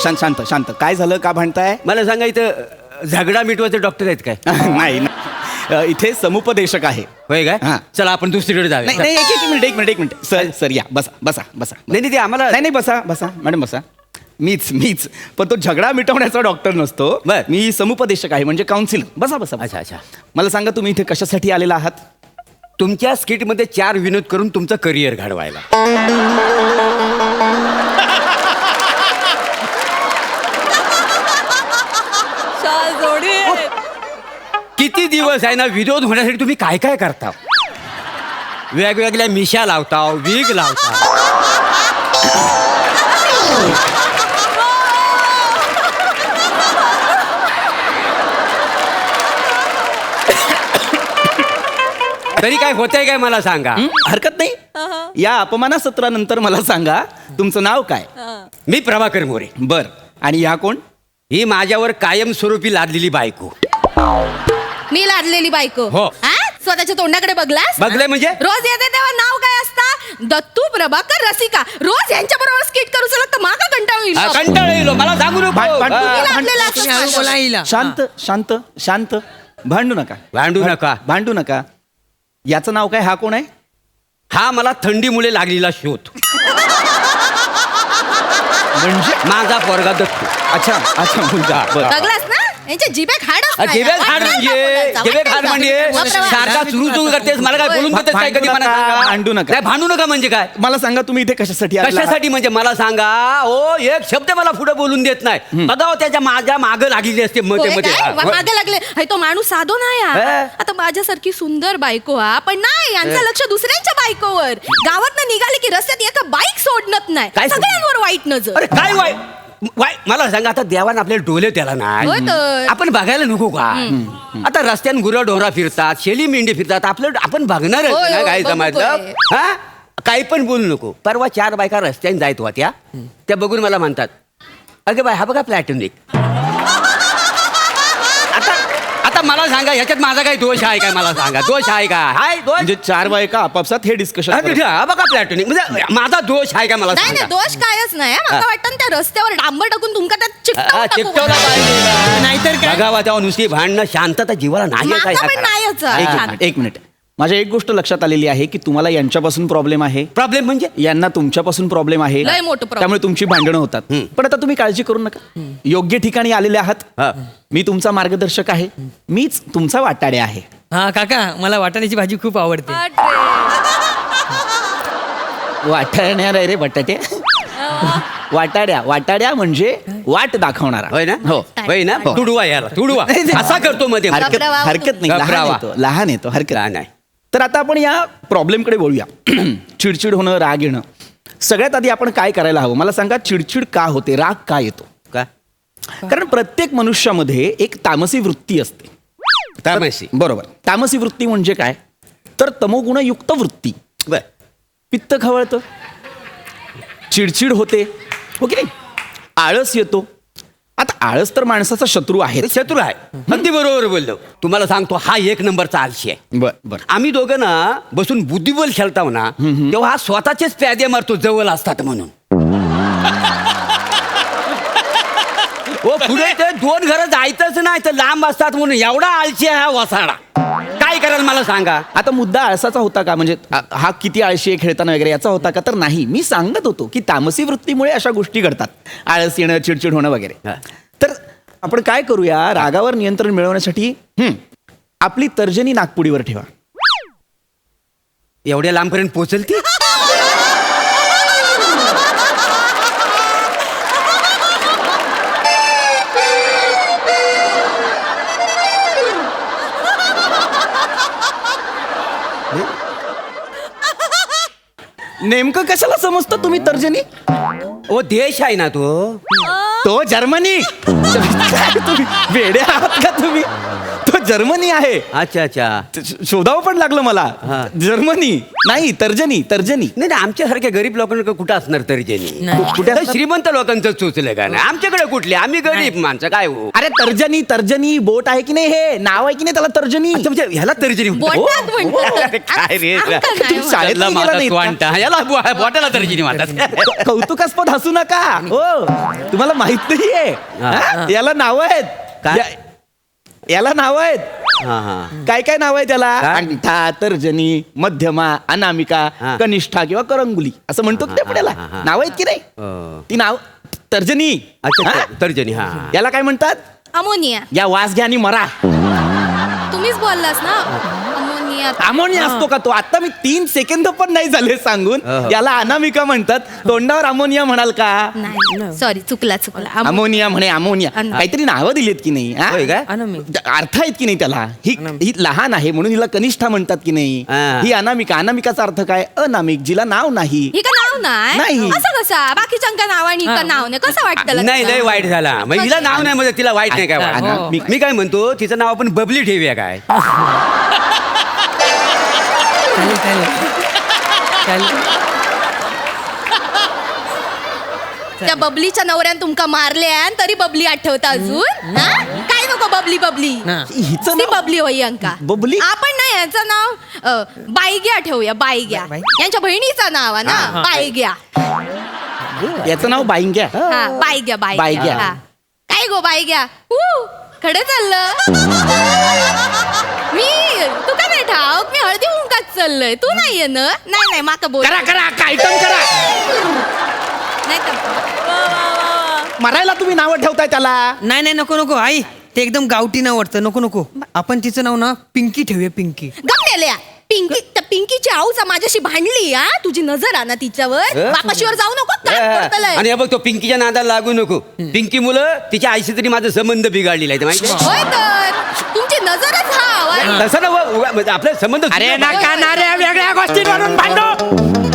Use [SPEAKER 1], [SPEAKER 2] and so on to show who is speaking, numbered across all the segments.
[SPEAKER 1] शांत शांत शांत. काय झालं, का भांडताय?
[SPEAKER 2] मला सांगा इथं झगडा मिटवायचे डॉक्टर आहेत काय?
[SPEAKER 1] नाही इथे समुपदेशक आहे.
[SPEAKER 2] होय काय?
[SPEAKER 1] हां.
[SPEAKER 2] चला आपण दुसरीकडे जाऊया.
[SPEAKER 1] नाही नाही एक मिनिट सर सर या बसा बसा बसा.
[SPEAKER 2] नाही ते आम्हाला
[SPEAKER 1] नाही बसा बसा मॅडम बसा. मीच पण तो झगडा मिटवण्याचा डॉक्टर नसतो.
[SPEAKER 2] बर.
[SPEAKER 1] मी समुपदेशक आहे, म्हणजे काउन्सिलर. बसा बसा.
[SPEAKER 2] अच्छा अच्छा.
[SPEAKER 1] मला सांगा तुम्ही इथे कशासाठी आलेला आहात?
[SPEAKER 2] तुमच्या स्किटमध्ये 4 विनोद करून तुमचं करिअर घडवायला. किती दिवस आहे ना विनोद होण्यासाठी तुम्ही काय काय करता? वेगवेगळ्या मिशा लावता, विग लावता. तरी काय होतंय काय मला सांगा.
[SPEAKER 1] हरकत नाही. या अपमानासत्रानंतर मला सांगा तुमचं नाव काय?
[SPEAKER 2] मी प्रभाकर मोरे.
[SPEAKER 1] बर. आणि ह्या कोण?
[SPEAKER 2] ही माझ्यावर कायमस्वरूपी लादलेली बायको.
[SPEAKER 3] मी लादलेली बायको.
[SPEAKER 2] हो.
[SPEAKER 3] हा? स्वतःच्या तोंडाकडे बघलास?
[SPEAKER 2] बघलंय म्हणजे?
[SPEAKER 3] रोज येते तेव्हा नाव काय असतं? दत्तू प्रभाकर रसिका. रोज यांच्या बरोबर स्किट करू शकत तर मागा कंटाळू येईल.
[SPEAKER 2] कंटाळ येईल मला सांगू नको.
[SPEAKER 3] तुम्ही लादलेलं असतं माझ्यावर.
[SPEAKER 1] शांत शांत शांत. भांडू नका. भांडू नका. याचं नाव काय? हा कोण आहे?
[SPEAKER 2] हा मला थंडीमुळे लागलेला शोध.
[SPEAKER 1] म्हणजे
[SPEAKER 2] माझा पोरगा दत्तू.
[SPEAKER 1] अच्छा अच्छा मुलगा. बरं.
[SPEAKER 3] बघलास ना यांच्या जिभेत हाडच नाही.
[SPEAKER 2] जिभेत हाड
[SPEAKER 3] वाटलं
[SPEAKER 2] म्हणजे
[SPEAKER 3] बोलायचं,
[SPEAKER 2] जिभेत हाड
[SPEAKER 3] वाटलं
[SPEAKER 2] म्हणजे
[SPEAKER 3] बोलायचं.
[SPEAKER 2] सारखा सुरू करतेस मला काय बोलून देतेस काय कधी मला सांगा.
[SPEAKER 1] भांडू नका.
[SPEAKER 2] नाही भांडू नका म्हणजे काय?
[SPEAKER 1] मला सांगा तुम्ही इथे कशासाठी आलेला आहात?
[SPEAKER 2] कशासाठी म्हणजे मला सांगा. ओ एक शब्द मला पुढे बोलून देत नाही. बघा त्याच्या माझ्या माग लागलेली असते
[SPEAKER 3] होय
[SPEAKER 2] मध्ये
[SPEAKER 3] काय? मागे लागले. हे तो माणूस साधो नाही हा.
[SPEAKER 2] हे?
[SPEAKER 3] आता माझ्यासारखी सुंदर बायको हा, पण नाही यांचं लक्ष दुसऱ्यांच्या बायकोवर. गावात निघाले की रस्त्यात एका बाईक सोडणत नाही.
[SPEAKER 2] काय सोडणं?
[SPEAKER 3] सगळ्यांवर वाईट नजर.
[SPEAKER 2] अरे काय वाय मला सांगा आता देवान आपल्याला डोले त्याला
[SPEAKER 3] होय
[SPEAKER 2] नाही.
[SPEAKER 3] तर.
[SPEAKER 2] आपण बघायला नको का? आता रस्त्यान गुरं डोरा फिरतात, शेली मेंढी फिरतात. आपलं आपण बघणार
[SPEAKER 3] होय,
[SPEAKER 2] ना
[SPEAKER 3] होय,
[SPEAKER 2] काय
[SPEAKER 3] बघू
[SPEAKER 2] समजलं.
[SPEAKER 3] होय.
[SPEAKER 2] हा काही पण बोलू नको. परवा 4 बायका रस्त्याने जायत होत्या. त्या बघून मला म्हणतात अगे बाय हा बघा प्लॅटॉनिक. आता मला सांगा ह्याच्यात माझा काही दोष आहे काय? मला सांगा दोष आहे का? हाय दोष
[SPEAKER 1] म्हणजे 4 बायका आपापसात हे डिस्कशन.
[SPEAKER 2] हा बघा प्लॅटॉनिक म्हणजे माझा दोष आहे का? मला
[SPEAKER 3] नाही नाही
[SPEAKER 2] सांगा.
[SPEAKER 3] दोष कायच नाही. मला वाटतं ना त्या रस्त्यावर डांबर टाकून तुमका त्यात चिकटवून टाकू.
[SPEAKER 2] चिकटवला पाहिजे.
[SPEAKER 4] नाहीतर काय?
[SPEAKER 2] बघावा तेव्हा नुसती भांडणं शांतता जीवाला नाही आहे
[SPEAKER 3] माझा पण
[SPEAKER 2] काय?
[SPEAKER 3] नाहीच
[SPEAKER 1] एक
[SPEAKER 3] आहे.
[SPEAKER 1] मिनिट, एक मिनिट. माझ्या एक गोष्ट लक्षात आलेली आहे की तुम्हाला यांच्यापासून प्रॉब्लेम आहे,
[SPEAKER 2] प्रॉब्लेम म्हणजे
[SPEAKER 1] यांना तुमच्यापासून प्रॉब्लेम आहे.
[SPEAKER 3] लय मोठं problem.
[SPEAKER 1] त्यामुळे तुमची भांडणं होतात. पण आता तुम्ही काळजी करू नका. योग्य ठिकाणी आलेले आहात.
[SPEAKER 2] हा.
[SPEAKER 1] मी तुमचा मार्गदर्शक आहे. मीच तुमचा वाटाडे आहे.
[SPEAKER 4] हा काका मला वाटाण्याची भाजी खूप आवडते.
[SPEAKER 1] वाटाण्या रे बटाटे. वाटाड्या म्हणजे वाट दाखवणारा.
[SPEAKER 2] होय ना?
[SPEAKER 1] हो.
[SPEAKER 2] होय ना?
[SPEAKER 1] हो.
[SPEAKER 2] तुडवा याला तुडवा असा करतो मध्ये
[SPEAKER 1] हरकत नाही.
[SPEAKER 2] घबरावा.
[SPEAKER 1] लहान येतो हरकत
[SPEAKER 2] लहान आहे.
[SPEAKER 1] तर आता आपण या प्रॉब्लेमकडे बोलूया. चिडचिड होणं, राग येणं. सगळ्यात आधी आपण काय करायला हवं मला सांगा. चिडचिड का होते, राग का येतो?
[SPEAKER 2] का
[SPEAKER 1] कारण प्रत्येक मनुष्यामध्ये एक तामसी वृत्ती असते.
[SPEAKER 2] तामसी.
[SPEAKER 1] बरोबर. तामसी वृत्ती म्हणजे काय? तर तमोगुणयुक्त वृत्ती.
[SPEAKER 2] बर
[SPEAKER 1] पित्त खवळतं, चिडचिड होते, हो की नाही? आळस येतो. आता आळस तर माणसाचा शत्रू आहे.
[SPEAKER 2] शत्रू आहे. अगदी बरोबर बोललो. तुम्हाला सांगतो हा 1 नंबरचा आळशी आहे.
[SPEAKER 1] बर
[SPEAKER 2] आम्ही दोघं ना बसून बुद्धिबळ खेळताव ना तेव्हा हा स्वतःचेच प्यादे मारतो जवळ असतात म्हणून. हो पुढे ते 2 घरं जायचंच नाही तर लांब असतात म्हणून एवढा आळशी आहे हा वसाडा. काय कराल मला सांगा.
[SPEAKER 1] आता मुद्दा आळसाचा होता का? म्हणजे हा किती आळशी आहे खेळताना वगैरे याचा होता का? तर नाही. मी सांगत होतो की तामसी वृत्तीमुळे अशा गोष्टी घडतात. आळस येणं, चिडचिड होणं वगैरे. तर आपण काय करूया, रागावर नियंत्रण मिळवण्यासाठी आपली तर्जनी नागपुडीवर ठेवा.
[SPEAKER 2] एवढ्या लांबपर्यंत पोहोचल ती.
[SPEAKER 1] नेमकं कशाला समजतं तुम्ही तर्जनी?
[SPEAKER 2] ओ देश आहे ना तो
[SPEAKER 1] तो जर्मनी. तुम्ही वेडे आहात का तुम्ही? तो जर्मनी आहे.
[SPEAKER 2] अच्छा अच्छा.
[SPEAKER 1] शोधावं पण लागलं मला.
[SPEAKER 2] हा.
[SPEAKER 1] जर्मनी नाही, तर्जनी.
[SPEAKER 2] नाही नाही, आमच्यासारख्या गरीब लोकांकडे कुठं असणार तर्जनी?
[SPEAKER 4] नाही.
[SPEAKER 1] कुठे
[SPEAKER 2] तर श्रीमंत लोकांचं सुचलं का नाही? आमच्याकडे कुठले? आम्ही गरीब माणसं काय हो.
[SPEAKER 1] अरे तर्जनी बोट आहे की नाही, हे नाव आहे की नाही त्याला तर्जनी.
[SPEAKER 2] अच्छा, म्हणजे ह्याला तर्जनी म्हणतात.
[SPEAKER 3] बोटात म्हणतात.
[SPEAKER 2] अरे काय रे.
[SPEAKER 3] आमका नाही
[SPEAKER 1] तुम्ही
[SPEAKER 3] म्हणत.
[SPEAKER 1] शाळेत
[SPEAKER 2] त्याला
[SPEAKER 1] नाही गेला
[SPEAKER 2] माता
[SPEAKER 1] नाहीत का?
[SPEAKER 2] स्वांटा, याला बोटाला तर्जनी म्हणतात.
[SPEAKER 1] कौतुकास्पद हसू नका हो, तुम्हाला माहित नाहीये. हा? याला नाव आहेत.
[SPEAKER 2] काय?
[SPEAKER 1] याला नाव आहेत.
[SPEAKER 2] हा हा.
[SPEAKER 1] काय काय नाव आहे त्याला?
[SPEAKER 2] काय?
[SPEAKER 1] अंगठा, तर्जनी, मध्यमा, अनामिका,
[SPEAKER 2] हा.
[SPEAKER 1] कनिष्ठा किंवा करंगुली असं म्हणतो की नाही आपल्याला.
[SPEAKER 2] हा, हा.
[SPEAKER 1] नाव आहेत की नाही? ती नाव तर्जनी.
[SPEAKER 2] अच्छा
[SPEAKER 1] हा?
[SPEAKER 2] तर्जनी. हा.
[SPEAKER 1] याला काय म्हणतात?
[SPEAKER 3] अमोनिया.
[SPEAKER 1] या वास घ्या आणि मरा.
[SPEAKER 3] तुम्हीच बोललास ना अमोनिया.
[SPEAKER 1] अमोनिया असतो का तो? आता मी 3 सेकंद पण नाही झाले सांगून.
[SPEAKER 2] अहं.
[SPEAKER 1] याला अनामिका म्हणतात. तोंडावर अमोनिया म्हणाल का?
[SPEAKER 3] नाही सॉरी, चुकला
[SPEAKER 1] अमोनिया म्हणे, अमोनिया.
[SPEAKER 3] अन-
[SPEAKER 1] काहीतरी नावं दिलीत की नाही हा?
[SPEAKER 2] होय काय?
[SPEAKER 1] अर्थ आहेत की नाही त्याला. ही लहान आहे म्हणून हिला कनिष्ठा म्हणतात की नाही.
[SPEAKER 2] हा.
[SPEAKER 1] ही अनामिका. अनामिकाचा अर्थ काय? अनामिक, जिला नाव नाही.
[SPEAKER 3] ही का नाव
[SPEAKER 1] नाही.
[SPEAKER 3] नाही असं कसा बाकीच्यांका नाव आणि ही का नाव नाही कसं वाटतं
[SPEAKER 2] नाही लय वाईट झाला. मग हिला नाव नाही म्हणजे तिला वाईट नाही काय वाटत?
[SPEAKER 1] अनामिक.
[SPEAKER 2] मी काय म्हणतो, तिचं नाव आपण बबली ठेवूया काय?
[SPEAKER 4] चालेल चालेल.
[SPEAKER 3] त्या बबलीच्या नवऱ्यान तुमका मारले तरी बबली आठवता अजून हा? काय नको बबली बबली
[SPEAKER 4] ना.
[SPEAKER 1] हिचं
[SPEAKER 3] ती
[SPEAKER 1] नाव
[SPEAKER 3] बबली होई अंका.
[SPEAKER 1] बबली?
[SPEAKER 3] आपण नाही याचं नाव बाईग्या ठेवूया. बाईग्या
[SPEAKER 4] बाई?
[SPEAKER 3] यांच्या बहिणीचं नाव आहे ना बाईग्या.
[SPEAKER 1] याचं नाव बाईंग्या.
[SPEAKER 3] हा बाईग्या
[SPEAKER 1] बाईग्या.
[SPEAKER 3] बाईग्या हा. काय गो बाईग्या खडे चाललं. मी तू का नाही ठाऊक मी हळदी हुंकाच चाललंय. तू नाहीये ना. नाही माका बोल
[SPEAKER 1] करा करा आयटम करा.
[SPEAKER 3] नाही तर
[SPEAKER 1] मरायला तुम्ही नावं ठेवताय त्याला.
[SPEAKER 4] नाही नाही, नको नको आई, ते एकदम गावठी नाव वाटतं. नको नको, आपण तिचं नाव ना पिंकी ठेवूया. पिंकी.
[SPEAKER 3] गमलेल्या पिंकी. त्या पिंकीची आऊचा माझ्याशी भांडली हा. तुझी नजर आहे ना तिच्यावर. बापाशीवर जाऊ नको काय करतलंय?
[SPEAKER 2] आणि हे बघ, तो पिंकीच्या नादाला लागू नको. पिंकी मुलं तिच्या आईशी तरी माझा संबंध बिघडलेला आहे, ते माहिती आहे?
[SPEAKER 3] होय तर तुमची नजरच हा.
[SPEAKER 2] तसं ना म्हणजे आपला संबंध.
[SPEAKER 1] अरे नका ना रे वेगळ्या गोष्टींवरून भांडो.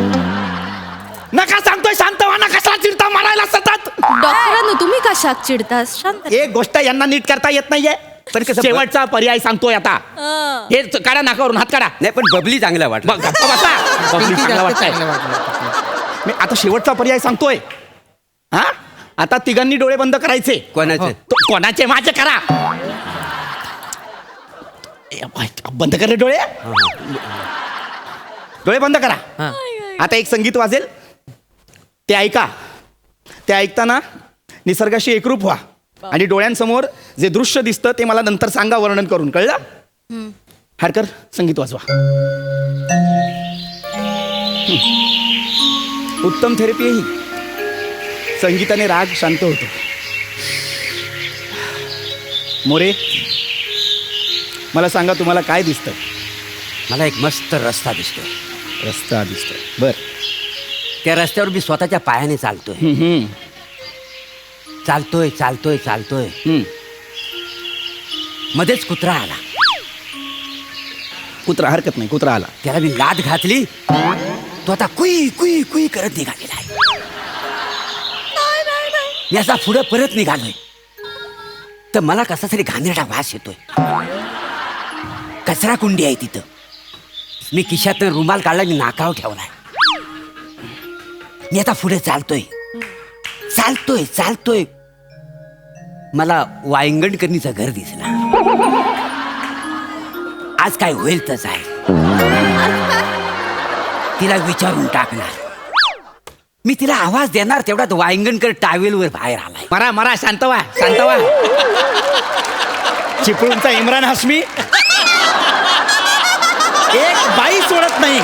[SPEAKER 1] नका सांगतोय शांत व्हा. कसा चिडता मारायला सतत.
[SPEAKER 3] डॉक्टरांनो तुम्ही कशाक चिडतास? शांत.
[SPEAKER 1] एक गोष्ट यांना नीट करता येत नाहीये.
[SPEAKER 2] पण कसं
[SPEAKER 1] शेवटचा पर्याय सांगतोय आता. हे काढा नाकावरून, हात काढा.
[SPEAKER 2] नाही पण बबली चांगला वाटला.
[SPEAKER 1] मग गप्पा बसा. बबली
[SPEAKER 4] पिंकी
[SPEAKER 1] चांगला
[SPEAKER 4] जास्त
[SPEAKER 1] वाटतंय.
[SPEAKER 4] चांगलं वाटलं.
[SPEAKER 1] मी आता शेवटचा पर्याय सांगतोय. हा आता तिघांनी डोळे बंद करायचे.
[SPEAKER 2] कोणाचं?
[SPEAKER 1] कोणाचे? माझे करा. बंद कर रे डोळे. डोळे बंद करा.
[SPEAKER 4] हा.
[SPEAKER 1] आता एक संगीत वाजेल, ते ऐका. ते ऐकताना निसर्गाशी एकरूप व्हा आणि डोळ्यांसमोर जे दृश्य दिसतं ते मला नंतर सांगा वर्णन करून. कळलं? हाडकर संगीत वाजवा. उत्तम थेरपी आहे ही. संगीताने राग शांत होतो. मोरे, मला सांगा तुम्हाला काय दिसतं?
[SPEAKER 2] मला एक मस्त रस्ता दिसतोय.
[SPEAKER 1] रस्ता दिसतोय. बर.
[SPEAKER 2] त्या रस्त्यावर मी स्वतःच्या पायाने चालतोय. चालतोय. मध्येच कुत्रा आला.
[SPEAKER 1] कुत्रा? हरकत नाही, कुत्रा आला.
[SPEAKER 2] त्याला मी लाद घातली. तो आता कुई कुई कुई करत निघालेला आहे. मी असा पुढे परत निघालोय तर मला कसा तरी घाणेरडा वास येतोय. कचरा कुंडी आहे तिथं. मी खिशातनं रुमाल काढला, मी नाकावर ठेवलाय. मी आता पुढे चालतोय. मला वायंगणकरणीचं घर दिसलं. आज काय होईल तस आहे. तिला विचारून टाकणार. मी तिला आवाज देणार तेवढ्यात वायंगणकर टावेलवर बाहेर आलाय.
[SPEAKER 1] मरा मरा. शांत व्हा. चिपळूणचा इम्रान हाशमी एक बाई सोडत नाही.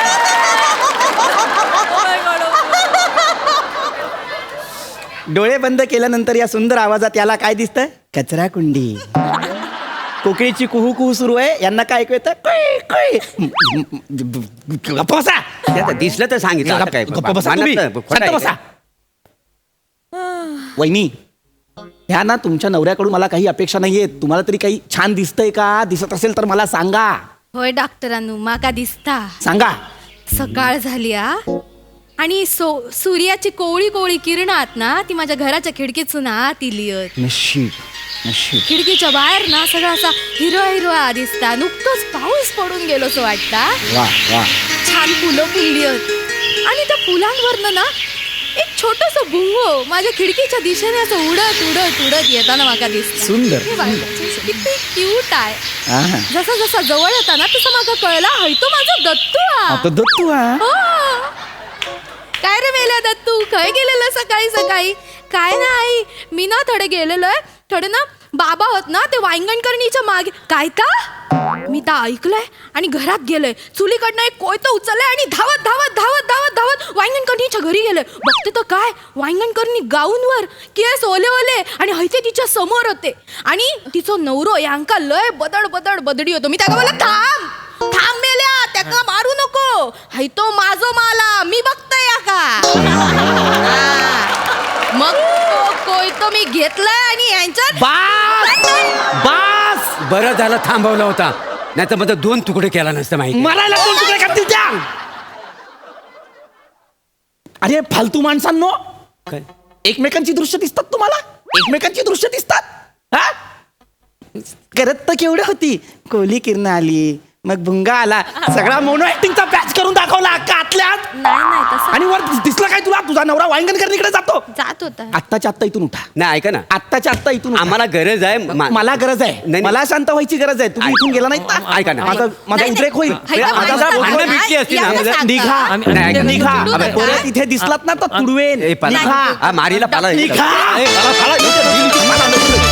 [SPEAKER 1] डोळे बंद केल्यानंतर या सुंदर आवाजात याला काय दिसतं? कचरा कुंडी. कोकिळीची कुहू कुहू सुरू आहे. यांना काय ऐकू येतं? कुई, कुई. गप्प बसा.
[SPEAKER 2] ते आता दिसलं तर सांगितलं. आता काय
[SPEAKER 1] गप्प बसा तुम्ही.
[SPEAKER 2] मनात खोटं
[SPEAKER 1] शांत
[SPEAKER 2] आहे
[SPEAKER 1] बसा.
[SPEAKER 2] काय?
[SPEAKER 1] वहिनी, ह्या ना तुमच्या नवऱ्याकडून मला काही अपेक्षा नाहीये. तुम्हाला तरी काही छान दिसतंय का? दिसत असेल तर मला सांगा.
[SPEAKER 3] होय डॉक्टरांनो माका दिसता.
[SPEAKER 1] सांगा.
[SPEAKER 3] सकाळ झाली हा. आणि सूर्याची कोवळी कोवळी किरणात ना ती माझ्या घराच्या खिडकीतून आत इलियत.
[SPEAKER 1] नशीब नशीब.
[SPEAKER 3] खिडकीच्या बाहेर ना सगळा असा हिरवा हिरवा दिसता. नुकतंच पाऊस पडून गेलो असं वाटता.
[SPEAKER 1] वा वा.
[SPEAKER 3] छान फुलं फुललीत आणि त्या फुलांवरनं ना एक छोटस बुंगो माझ्या खिडकीच्या दिशेने असं उडत उडत उडत येताना माका दिसत.
[SPEAKER 1] सुंदर,
[SPEAKER 3] किती क्यूट आहे.
[SPEAKER 1] आहा.
[SPEAKER 3] जसा जसा जवळ येता ना तसं माका कळला हय तो माझा दत्तू हा.
[SPEAKER 1] आता दत्तू हा.
[SPEAKER 3] हो. काय रे मेल्या दत्तू खय गेलेलं सकाळी सकाळी. काय नाही मी ना थोडे गेलेलोय थोडे ना बाबा होत ना ते वांगणकरणीच्या मागे. काय का मी तर ऐकलंय आणि घरात गेलोय चुलीकडनं एक कोयतं उचललंय आणि धावत धावत धावत धावत धावत वांगणकरणीच्या घरी गेलोय. बघते तर काय वांगणकरणी गाऊनवर केस ओले ओले आणि हयते तिच्या समोर होते आणि तिचं नवरो यांका लय बदड बदड बदडी होतो. मी त्याला बोलला थांब थांब मेल्या त्याका मारू नको हाय तो माझो माला मी बघतोय या का. मग तो कोयतो मी घेतलाय आणि यांच्यात
[SPEAKER 2] बास बरं झालं थांबवला होता नाही तर माझा 2 तुकडे केला नसतं माहिती.
[SPEAKER 1] मरायला 2 तुकडे करतील त्या. अरे फालतू माणसांनो
[SPEAKER 2] काय?
[SPEAKER 1] एकमेकांची दृश्य दिसतात तुम्हाला. एकमेकांची दृश्य दिसतात हा. करत तर केवढी होती. कोहली किरण आली मग भुंगा आला सगळा मोनो ऍक्टिंगचा पॅच करून दाखवला आतल्यात.
[SPEAKER 3] नाही नाही तसं
[SPEAKER 1] आणि वर दिसलं काय तुला तुझा नवरा वांगणकरणीकडे जातो.
[SPEAKER 3] जात होता.
[SPEAKER 1] आत्ताच्या आत्ता इथून उठा.
[SPEAKER 2] नाही ऐका ना
[SPEAKER 1] आत्ताच्या आत्ता इथून उठा.
[SPEAKER 2] आम्हाला गरज आहे
[SPEAKER 1] मला गरज आहे.
[SPEAKER 2] नाही.
[SPEAKER 1] मला शांत व्हायची गरज आहे. तुम्ही इथून गेला नाही
[SPEAKER 2] ऐका ना.
[SPEAKER 1] माझा
[SPEAKER 3] नाही,
[SPEAKER 1] उद्रेक होईल.
[SPEAKER 3] हाय का,
[SPEAKER 1] माझा
[SPEAKER 3] भांडणं
[SPEAKER 1] भांडणं
[SPEAKER 2] मिटली असती ना.
[SPEAKER 3] यांना सांगा.
[SPEAKER 1] निघा
[SPEAKER 2] नाही, ऐका ना.
[SPEAKER 1] निघा
[SPEAKER 3] तुडू नका.
[SPEAKER 1] परत इथे दिसलात ना तर तुडवेन.
[SPEAKER 2] ए, पाला.
[SPEAKER 1] निघा
[SPEAKER 2] मारीला पाला
[SPEAKER 1] निघा.
[SPEAKER 2] ए, पाला, पाला.
[SPEAKER 1] मला